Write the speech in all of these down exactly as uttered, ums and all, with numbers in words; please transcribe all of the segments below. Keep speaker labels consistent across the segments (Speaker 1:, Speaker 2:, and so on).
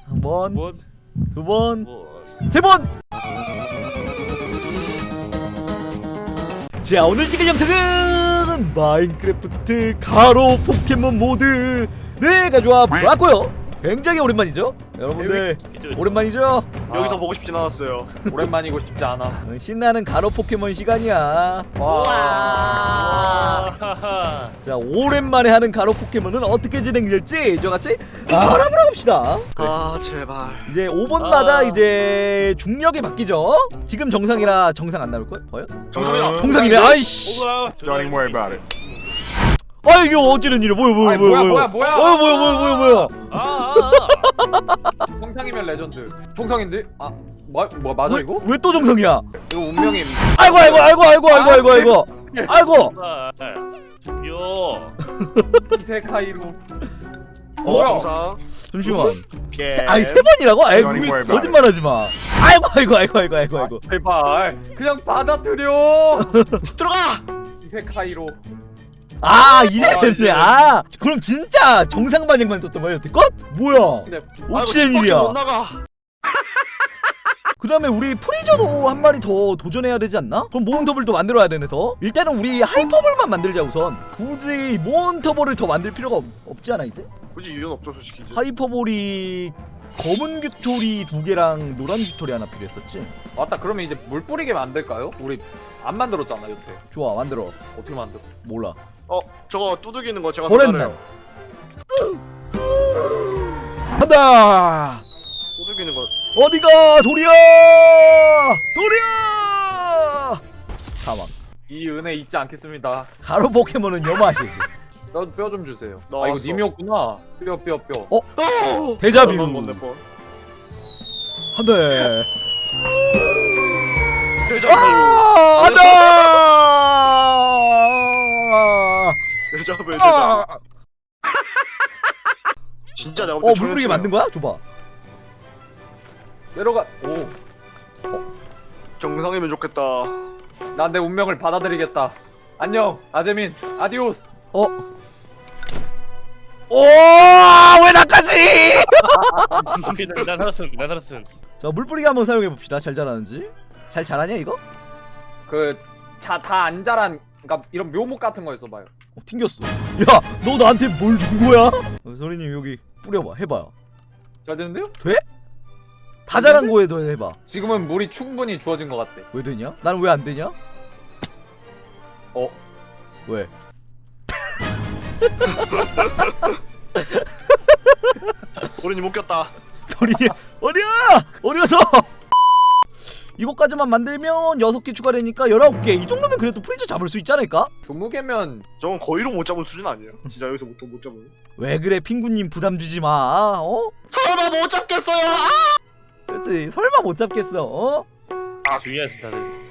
Speaker 1: 한 번,
Speaker 2: 번,
Speaker 1: 두 번,
Speaker 2: 번.
Speaker 1: 세 번! 자, 오늘 찍은 영상은 마인크래프트 가로 포켓몬 모드를 가져와 보았고요. 굉장히 오랜만이죠? 여러분들
Speaker 2: 그쵸, 그쵸.
Speaker 1: 오랜만이죠?
Speaker 3: 여기서 보고 싶진 않았어요.
Speaker 4: 오랜만이고 싶지 않아.
Speaker 1: 어, 신나는 가로 포켓몬 시간이야.
Speaker 4: 와.
Speaker 2: 하하.
Speaker 1: 자, 오랜만에 하는 가로 포켓몬은 어떻게 진행될지 저같이 알아보러 갑시다.
Speaker 3: 아 제발.
Speaker 1: 이제 오 번마다
Speaker 2: 아.
Speaker 1: 이제 중력이 바뀌죠. 지금 정상이라 정상 안 나올걸? 과연?
Speaker 3: 정상이다.
Speaker 1: 정상이네. 아이씨.
Speaker 2: 오라.
Speaker 5: Don't even worry about it.
Speaker 1: 아, 이게 어찌된 일이야? 뭐야, 뭐야,
Speaker 4: 아니,
Speaker 1: 뭐야,
Speaker 4: 뭐야, 뭐야,
Speaker 1: 어, 뭐야, 뭐야, 뭐야, 뭐야.
Speaker 2: 아, 아, 아.
Speaker 4: 정상이면 레전드. 정상인데? 아, 뭐, 뭐 맞아 이거?
Speaker 1: 왜 또 정상이야?
Speaker 4: 이거 운명임.
Speaker 1: 아이고, 아이고, 아이고, 아이고, 아이고, 아이고, 아이고, 아이고.
Speaker 2: 아, 저기요.
Speaker 4: 이세카이로.
Speaker 3: 어
Speaker 4: 뭐야?
Speaker 3: 정상.
Speaker 1: 잠시만.
Speaker 3: 피해.
Speaker 1: 아니 세 번이라고? 아이,
Speaker 5: Don't even worry about
Speaker 1: 거짓말하지 마. 아이고, 아이고, 아이고, 아이고, 아이고, 아이고.
Speaker 4: 제발 그냥 받아들여.
Speaker 3: 들어가.
Speaker 4: 이세카이로.
Speaker 1: 아, 이제
Speaker 3: 아,
Speaker 1: 됐네.
Speaker 3: 이제.
Speaker 1: 아, 그럼 진짜 정상 반응만 떴던 거야 여태껏? 뭐야?
Speaker 4: 근데
Speaker 1: 어찌된
Speaker 3: 아이고,
Speaker 1: 일이야?
Speaker 3: 못 나가.
Speaker 1: 그 다음에 우리 프리저도 한 마리 더 도전해야 되지 않나? 그럼 모은터블도 만들어야 되네 더. 일단은 우리 하이퍼볼만 만들자 우선. 굳이 모은터블을 더 만들 필요가 없, 없지 않아 이제?
Speaker 3: 굳이 이유는 없죠 솔직히. 이제.
Speaker 1: 하이퍼볼이 검은 규토리 두 개랑 노란 규토리 하나 필요했었지?
Speaker 4: 맞다. 그러면 이제 물 뿌리게 만들까요? 우리 안 만들었잖아 여태.
Speaker 1: 좋아, 만들어.
Speaker 4: 어떻게 만들?
Speaker 1: 몰라.
Speaker 3: 어 저거 두들기는 거 제가
Speaker 1: 버렸네.
Speaker 3: 잘해요.
Speaker 1: 간다!
Speaker 3: 두들기는 거.
Speaker 1: 어디가 도리야! 도리야! 사망.
Speaker 4: 이 은혜 잊지 않겠습니다.
Speaker 1: 가로 포켓몬은 여마시지.
Speaker 4: 너 뼈 좀 주세요. 아
Speaker 3: 나왔어.
Speaker 4: 이거 님이었구나. 뼈 뼈 뼈.
Speaker 1: 어?
Speaker 3: 어.
Speaker 1: 데자뷰.
Speaker 3: 얼마 못 낼 뻔.
Speaker 1: 한대.
Speaker 3: 데자뷰.
Speaker 1: 아! 안돼!
Speaker 3: 데자뷰. 데자뷰.
Speaker 1: 아!
Speaker 3: 진짜 내가
Speaker 1: 어,
Speaker 3: 볼때
Speaker 1: 물부리게 만든 거야? 줘봐.
Speaker 4: 내려가. 오.
Speaker 3: 정상이면 좋겠다.
Speaker 4: 난 내 운명을 받아들이겠다. 안녕 아재민. 아디오스.
Speaker 1: 어? 오! 왜 나까지?
Speaker 2: 난 살았음, 난 살았음.
Speaker 1: 자, 물뿌리기 한번 사용해 봅시다. 잘 자라는지. 잘 자라냐 이거?
Speaker 4: 그 자 다 안 자란. 그러니까 이런 묘목 같은 거 있어봐요.
Speaker 1: 어, 튕겼어. 야, 너 나한테 뭘 준 거야? 어, 소리님 여기 뿌려봐. 해봐요.
Speaker 4: 잘 되는데요?
Speaker 1: 돼? 다 자란 거에도 해봐.
Speaker 4: 지금은 물이 충분히 주어진 것 같대.
Speaker 1: 왜 되냐? 나는 왜 안 되냐?
Speaker 4: 어?
Speaker 1: 왜?
Speaker 3: 우리님 못 꼈다.
Speaker 1: 소리님 어디야? 어디 가서? 이거까지만 만들면 여섯 개 추가되니까 열아홉 개. 이 정도면 그래도 프리즈 잡을 수 있지 않을까?
Speaker 4: 주무개면
Speaker 3: 저건 거의로 못 잡은 수준 아니에요. 진짜 여기서 못, 못 잡은.
Speaker 1: 왜 그래 핑구님 부담 주지 마. 어?
Speaker 3: 설마 못 잡겠어요. 아!
Speaker 1: 그렇지. 설마 못 잡겠어. 어?
Speaker 2: 아, 중요하지 다들.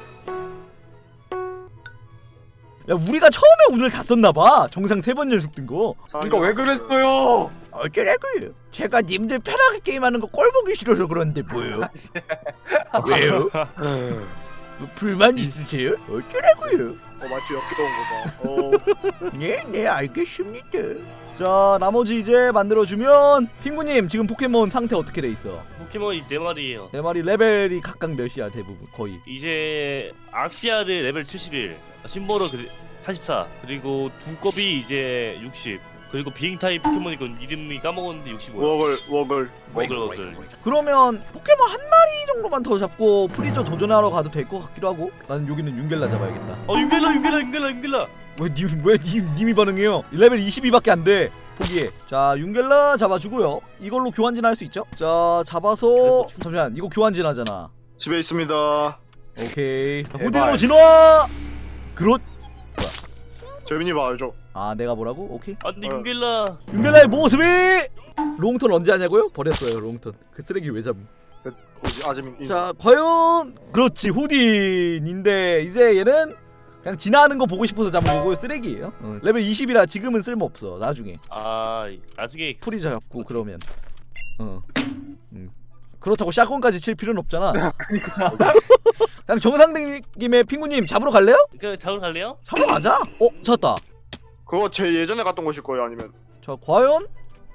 Speaker 1: 야, 우리가 처음에 운을 다 썼나 봐. 정상 세 번 연속 든 거.
Speaker 4: 그러니까 왜 그랬어요?
Speaker 1: 어쩌라고요? 제가 님들 편하게 게임하는 거 꼴보기 싫어서 그런데 뭐요? 왜요? 뭐 불만 있으세요? 어쩌라고요?
Speaker 3: 어 마치 엽기도 온 거 봐. 어.
Speaker 1: 네, 네, 알겠습니다. 자, 나머지 이제 만들어주면 핑구님 지금 포켓몬 상태 어떻게 돼 있어?
Speaker 2: 포켓몬이 네 마리예요.
Speaker 1: 네 마리 레벨이 각각 몇이야 대부분 거의?
Speaker 2: 이제 악시아드 레벨 칠십일, 심보로 사십사, 그리고 두꺼비 이제 육십, 그리고 비행 타입 포켓몬 이건 이름이 까먹었는데 육십오.
Speaker 3: 워글 워글.
Speaker 2: 워글 워글.
Speaker 1: 그러면 포켓몬 한 마리 정도만 더 잡고 프리저 도전하러 가도 될 것 같기도 하고. 나는 여기는 윤겔라 잡아야겠다.
Speaker 2: 어, 윤겔라 윤겔라 윤겔라 윤겔라.
Speaker 1: 왜님왜 님, 님이 반응해요? 레벨 이십이밖에 안 돼. 포기해. 자, 윤겔라 잡아주고요. 이걸로 교환진 할 수 있죠? 자, 잡아서 잠시만 이거 교환진 하잖아.
Speaker 3: 집에 있습니다.
Speaker 1: 오케이. 자,
Speaker 4: 제발.
Speaker 1: 후대로 진화. 그렇.
Speaker 3: 재민이 봐 알죠?
Speaker 1: 아, 내가 뭐라고? 오케이.
Speaker 2: 아, 근데
Speaker 3: 어.
Speaker 2: 윤겔라.
Speaker 1: 윤겔라의 모습이 롱턴 언제 하냐고요? 버렸어요 롱턴. 그 쓰레기 왜 잡음?
Speaker 3: 뭐지 아재민.
Speaker 1: 자, 과연 그렇지 후딘인데 이제 얘는 그냥 진화하는 거 보고 싶어서 잡은 거고 쓰레기예요. 어. 레벨 이십이라 지금은 쓸모 없어. 나중에
Speaker 2: 아, 나중에
Speaker 1: 풀이 잡고 그러면. 어. 음. 그렇다고 샷건까지 칠 필요는 없잖아. 그냥 정상된 김에 핑구님 잡으러 갈래요?
Speaker 2: 그 잡으러 갈래요?
Speaker 1: 잡으러 가자. 어, 찾았다.
Speaker 3: 그거 제 예전에 갔던 곳일 거예요 아니면?
Speaker 1: 자, 과연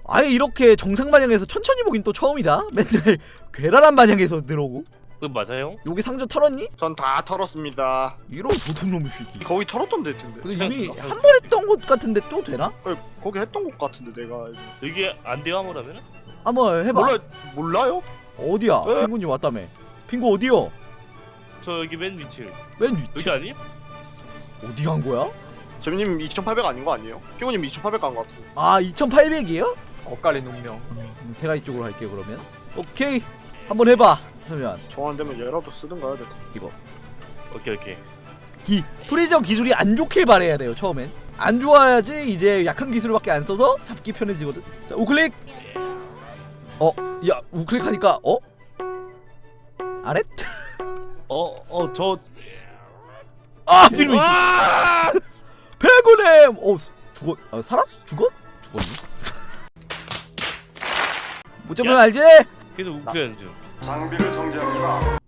Speaker 1: 아예 이렇게 정상 반영에서 천천히 보긴 또 처음이다. 맨날 괴랄한 반영에서 들어오고.
Speaker 2: 그건 맞아요?
Speaker 1: 여기 상자 털었니?
Speaker 3: 전 다 털었습니다.
Speaker 1: 이런 도둑놈의 새끼.
Speaker 3: 거기 털었던 데 텐데.
Speaker 1: 근데 이미
Speaker 2: 그냥
Speaker 1: 한 번 했던 것 같은데 또 되나?
Speaker 3: 아니, 거기 했던 것 같은데 내가.
Speaker 2: 여기 안 돼요 아무라면?
Speaker 1: 한번 해봐.
Speaker 3: 몰라 몰라요?
Speaker 1: 어디야?
Speaker 3: 에?
Speaker 1: 핑구님 왔다며. 핑구 어디요?
Speaker 2: 저 여기 맨 위층.
Speaker 1: 맨 위치.
Speaker 2: 여기 아니?
Speaker 1: 어디 간 거야?
Speaker 3: 재민님 이천팔백 아닌 거 아니에요? 피고님 이천팔백 간 거 같은데.
Speaker 1: 아 이천팔백이에요?
Speaker 4: 엇갈린 운명.
Speaker 1: 음, 제가 이쪽으로 할게요 그러면. 오케이. 한번 해봐. 그러면
Speaker 3: 정안 되면 얘라도 쓰든가 해야 돼.
Speaker 1: 이거.
Speaker 2: 오케이 오케이.
Speaker 1: 기 프리저 기술이 안 좋길 바래야 돼요 처음엔. 안 좋아야지 이제 약한 기술밖에 안 써서 잡기 편해지거든. 자 우클릭. 어, 야 우클릭 하니까 어? 아랫?
Speaker 2: 어어 저.
Speaker 1: 아 필미.
Speaker 2: 와!
Speaker 1: 배구렘. 어 죽었. 아 살았? 죽었? 죽었니? 못 잡으면
Speaker 2: 야.
Speaker 1: 알지?
Speaker 2: 계속 우크하는 중.
Speaker 5: 장비를 정지합니다.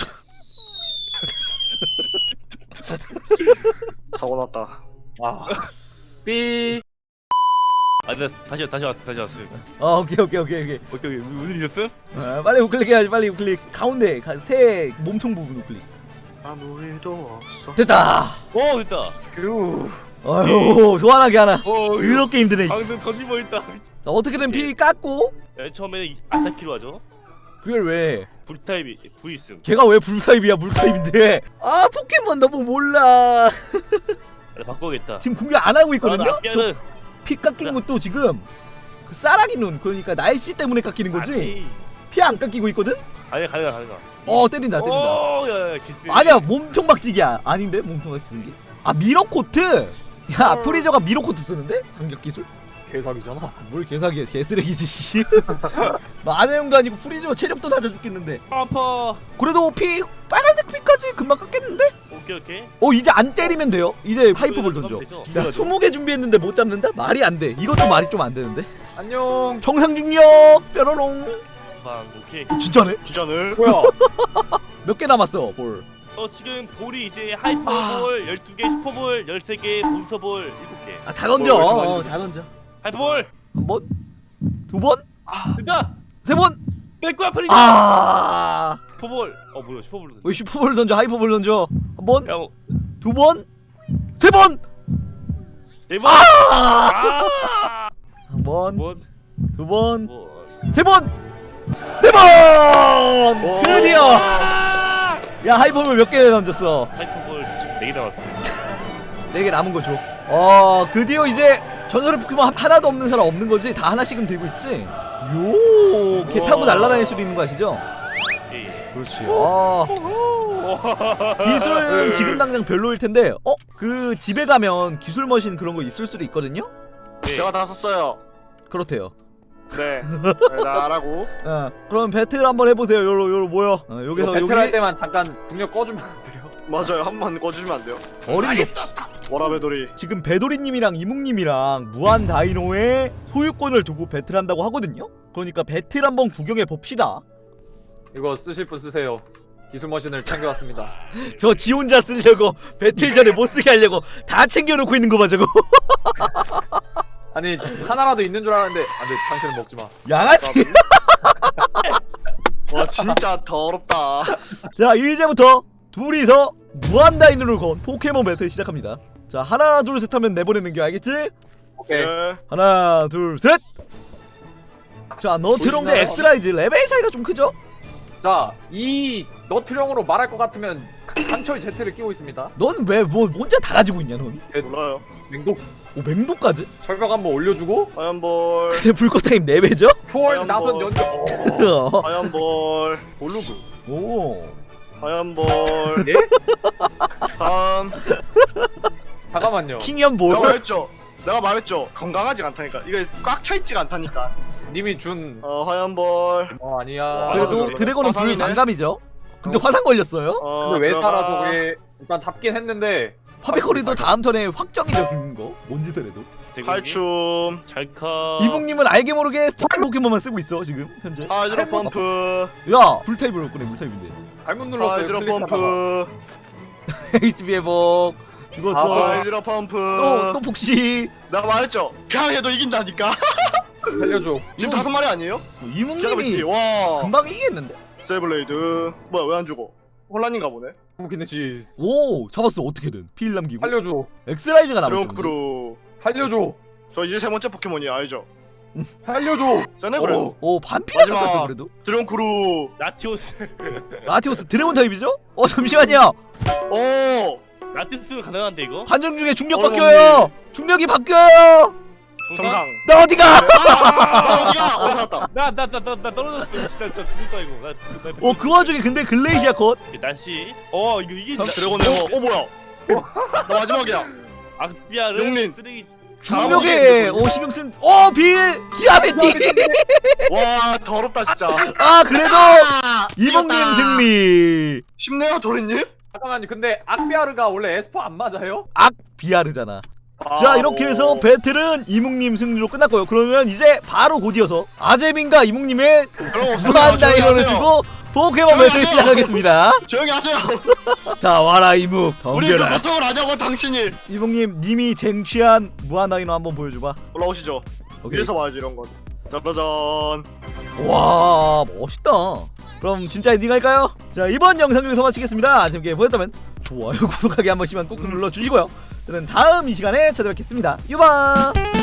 Speaker 3: 사고 났다.
Speaker 4: 아. 삐.
Speaker 2: 아, 나 다시 다시 왔어 다시 왔어.
Speaker 1: 어 오케이 오케이 오케이 오케이.
Speaker 2: 오케이 오케이 무슨 일이었어?
Speaker 1: 아, 빨리 우클릭 해야지 빨리 우클릭. 가운데 가, 새 몸통 부분 우클릭.
Speaker 3: 아무 일도 없어.
Speaker 1: 됐다.
Speaker 2: 오 됐다.
Speaker 4: 그.
Speaker 1: 아유 소환하기 하나.
Speaker 2: 어
Speaker 1: 이렇게 힘드네. 자
Speaker 2: 방금 던지고 있다.
Speaker 1: 어떻게든 피 깎고.
Speaker 2: 네, 처음에는 아타키로 하죠.
Speaker 1: 그걸 왜?
Speaker 2: 불타입이 V 있음.
Speaker 1: 걔가 왜 불타입이야 물타입인데. 아 포켓몬 너무 몰라.
Speaker 2: 나 바꿔야겠다.
Speaker 1: 지금 공격 안 하고 있거든요.
Speaker 2: 아, 아피아는
Speaker 1: 피 깎인 것도 지금 그 쌀아기 눈 그러니까 날씨 때문에 깎이는 거지.
Speaker 2: 아니
Speaker 1: 피 안 깎이고 있거든.
Speaker 2: 아니 가능하 가능하.
Speaker 1: 어 때린다 때린다.
Speaker 2: 오, 야, 야, 기스.
Speaker 1: 아니야 몸통 박치기야. 아닌데 몸통 박치는 게. 아 미러코트. 야 프리저가 미러코트 쓰는데 반격 기술?
Speaker 4: 개사기잖아.
Speaker 1: 뭘 개사기야 개쓰레기지 씨. 마녀용도 아니고 프리저 체력도 낮아 죽겠는데.
Speaker 2: 아파.
Speaker 1: 그래도 피 빨간색 피까지 금방 깎겠는데?
Speaker 2: 오케이 오케이.
Speaker 1: 어 이제 안 때리면 돼요. 이제 하이퍼볼 던져.
Speaker 2: 되죠.
Speaker 1: 야 스무 개 준비했는데 못 잡는다? 말이 안 돼. 이것도 말이 좀 안 되는데.
Speaker 4: 안녕.
Speaker 1: 정상 중력 뾰로롱.
Speaker 2: 방 오케이.
Speaker 1: 진짜네?
Speaker 3: 기자는
Speaker 4: 뭐야?
Speaker 1: 몇 개 남았어 볼.
Speaker 2: 어 지금 볼이 이제 하이퍼볼 열두 개, 슈퍼볼 열세 개, 몬스터볼 일곱 개.
Speaker 1: 아 다 던져.
Speaker 3: 뭘, 뭘,
Speaker 1: 어,
Speaker 3: 뭘.
Speaker 1: 다 던져.
Speaker 2: 하이퍼볼
Speaker 1: 한 번, 두 번,
Speaker 2: 됐다.
Speaker 1: 세 번.
Speaker 2: 백과 프리즈.
Speaker 1: 아.
Speaker 2: 슈퍼볼. 어 뭐야 슈퍼볼.
Speaker 1: 왜 슈퍼볼 던져? 하이퍼볼 던져. 한 번,
Speaker 2: 야, 뭐,
Speaker 1: 두 번, 세 번.
Speaker 2: 네 번.
Speaker 1: 아.
Speaker 2: 아.
Speaker 1: 한 번,
Speaker 2: 뭐,
Speaker 1: 두 번,
Speaker 2: 뭐.
Speaker 1: 세 번, 네 번.
Speaker 3: 오.
Speaker 1: 드디어. 야 하이퍼볼 몇 개 던졌어?
Speaker 2: 하이퍼볼 지금 네 개 남았어.
Speaker 1: 네 개 남은 거 줘. 어 드디어 이제 전설의 포켓몬 하- 하나도 없는 사람 없는 거지? 다 하나씩은 들고 있지? 요. 개 타고
Speaker 2: 우와.
Speaker 1: 날아다닐 수도 있는 거 아시죠?
Speaker 2: 예.
Speaker 1: 그렇지. 아. 기술은 지금 당장 별로일 텐데, 어? 그 집에 가면 기술 머신 그런 거 있을 수도 있거든요?
Speaker 2: 네.
Speaker 3: 제가 다 썼어요.
Speaker 1: 그렇대요.
Speaker 3: 네. 네, 나라고.
Speaker 1: 어, 그럼 배틀 한번 해보세요. 요로 요로 모여. 어, 여기서
Speaker 4: 배틀 할
Speaker 1: 여기
Speaker 4: 때만 잠깐 국력 꺼주면 안 돼요?
Speaker 3: 맞아요. 한 번 꺼주시면 안 돼요.
Speaker 1: 어린 거.
Speaker 3: 워라베돌이.
Speaker 1: 지금 배도리님이랑 이묵님이랑 무한 다이노의 소유권을 두고 배틀한다고 하거든요. 그러니까 배틀 한번 구경해 봅시다.
Speaker 4: 이거 쓰실 분 쓰세요. 기술 머신을 챙겨왔습니다.
Speaker 1: 저 지 혼자 쓰려고 배틀 전에 못 쓰게 하려고 다 챙겨놓고 있는 거 봐 저거.
Speaker 4: 아니 하나라도 있는 줄 알았는데 안돼 당신은 먹지 마.
Speaker 1: 양아치.
Speaker 3: 와 진짜 더럽다.
Speaker 1: 자 이제부터 둘이서 무한 다이노를 건 포켓몬 배틀 시작합니다. 자 하나 둘 셋 하면 내보내는 게 알겠지?
Speaker 4: 오케이.
Speaker 3: 네.
Speaker 1: 하나 둘 셋. 자 너트롱 대
Speaker 4: 보이시나요?
Speaker 1: 엑스라이즈 레벨 차이가 좀 크죠?
Speaker 4: 자, 이 너트령으로 말할 것 같으면 한철 제트를 끼고 있습니다.
Speaker 1: 넌 왜 뭐 혼자 다 가지고 있냐 넌?
Speaker 3: 몰라요.
Speaker 4: 맹독
Speaker 1: 오 맹독까지?
Speaker 4: 철벽 한번 올려주고
Speaker 3: 하얀볼.
Speaker 1: 근데 불꽃 타임 네 배죠?
Speaker 4: 초월
Speaker 3: 아연
Speaker 4: 나선
Speaker 3: 뭐.
Speaker 4: 연주. 어.
Speaker 3: 하얀볼. 볼루그.
Speaker 1: 오.
Speaker 3: 하얀볼.
Speaker 4: 예?
Speaker 3: 다음.
Speaker 4: 잠깐만요.
Speaker 1: 킹이언
Speaker 3: 내가
Speaker 1: 볼.
Speaker 3: 말했죠. 내가 말했죠. 건강하지가 않다니까. 이게 꽉 차있지가 않다니까.
Speaker 4: 님이 준.
Speaker 3: 어 하얀볼.
Speaker 4: 어 아니야.
Speaker 3: 와,
Speaker 1: 그래도
Speaker 3: 그래.
Speaker 1: 드래곤은 불
Speaker 3: 화상이네.
Speaker 1: 반감이죠. 근데
Speaker 4: 어.
Speaker 1: 화상 걸렸어요.
Speaker 3: 어
Speaker 4: 근데 왜
Speaker 3: 들어가.
Speaker 4: 살아 저게? 일단 잡긴 했는데.
Speaker 1: 파비코리도 다음 턴에 확정이죠 죽는 거. 뭔지더라도.
Speaker 3: 탈춤.
Speaker 2: 잘카.
Speaker 1: 이북님은 알게 모르게 스타일 포켓몬만 쓰고 있어 지금 현재.
Speaker 3: 하이드로 펌프.
Speaker 1: 야 불타입으로 꺼내 물타입인데.
Speaker 4: 잘못 눌렀어요.
Speaker 3: 하이드로
Speaker 4: 클릭하다가.
Speaker 3: 펌프.
Speaker 1: 에이치피 회복. 죽었어.
Speaker 4: 아,
Speaker 3: 하이드로 펌프.
Speaker 1: 또 또 폭시.
Speaker 3: 내가 말했죠. 그냥 해도 이긴다니까.
Speaker 4: 살려줘.
Speaker 3: 지금
Speaker 1: 이거-
Speaker 3: 다섯 마리 아니에요?
Speaker 1: 이묵님이
Speaker 3: 기가비티 와
Speaker 1: 금방 이기겠는데?
Speaker 3: 세이블레이드 뭐야 왜 안 죽어? 혼란인가 보네.
Speaker 4: 무기네시
Speaker 1: 오 잡았어 어떻게든 피일 남기고
Speaker 4: 살려줘.
Speaker 1: 엑스라이즈가 남았죠.
Speaker 3: 드론크루
Speaker 4: 살려줘.
Speaker 3: 저 이제 세 번째 포켓몬이 알죠?
Speaker 4: 살려줘.
Speaker 3: 세네브레
Speaker 4: 어.
Speaker 1: 오 반피가
Speaker 3: 마지막.
Speaker 1: 잡았어 그래도.
Speaker 3: 드론크루
Speaker 2: 라티오스
Speaker 1: 라티오스 드래곤 타입이죠? 어 잠시만요.
Speaker 3: 오
Speaker 2: 라티오스 가능한데 이거?
Speaker 1: 관중 중에 중력
Speaker 3: 어머니.
Speaker 1: 바뀌어요. 중력이 바뀌어요.
Speaker 3: 정상.
Speaker 1: 나 어디가?
Speaker 3: 아 어디가 어디 살았다.
Speaker 2: 나나나나 떨어졌어. 진짜 진짜 죽을 거야 이거. 나, 나,
Speaker 1: 어 그 와중에 근데 글레이시아 컷.
Speaker 2: 날씨. 어 이거 이게
Speaker 3: 드래곤 에모 어 뭐야? 나 마지막이야.
Speaker 2: 아스피아르
Speaker 3: 용님.
Speaker 2: 쓰레기.
Speaker 1: 중력에 오 신경 쓴. 어 빌 기아베티.
Speaker 3: 와 더럽다 진짜.
Speaker 1: 아 그래도
Speaker 3: 아,
Speaker 1: 이봉님
Speaker 3: 이겼다.
Speaker 1: 승리.
Speaker 3: 쉽네요 도리님.
Speaker 4: 잠깐만요. 근데 악비아르가 원래 에스퍼 안 맞아요?
Speaker 1: 악 비아르잖아.
Speaker 3: 아,
Speaker 1: 자 이렇게 해서
Speaker 3: 오.
Speaker 1: 배틀은 이묵님 승리로 끝났고요. 그러면 이제 바로 곧이어서 아재민과 이묵님의
Speaker 3: 그럼 없습니다.
Speaker 1: 무한
Speaker 3: 조용히
Speaker 1: 다이어를
Speaker 3: 하세요.
Speaker 1: 두고 포켓몬
Speaker 3: 조용히
Speaker 1: 배틀
Speaker 3: 하세요.
Speaker 1: 시작하겠습니다.
Speaker 3: 조용히 하세요.
Speaker 1: 자 와라 이묵
Speaker 3: 우리 그
Speaker 1: 덤벼라.
Speaker 3: 고통을 아냐고 당신이.
Speaker 1: 이묵님 님이 쟁취한 무한 다이너 한번 보여줘봐.
Speaker 3: 올라오시죠.
Speaker 1: 오케이.
Speaker 3: 위에서 봐야지 이런 건. 짜자잔.
Speaker 1: 와 멋있다. 그럼 진짜 엔딩 할까요? 자 이번 영상 여기서 마치겠습니다. 재밌게 보셨다면 좋아요 구독하기 한 번씩만 꼭 눌러주시고요. 저는 다음 이 시간에 찾아뵙겠습니다. 유바.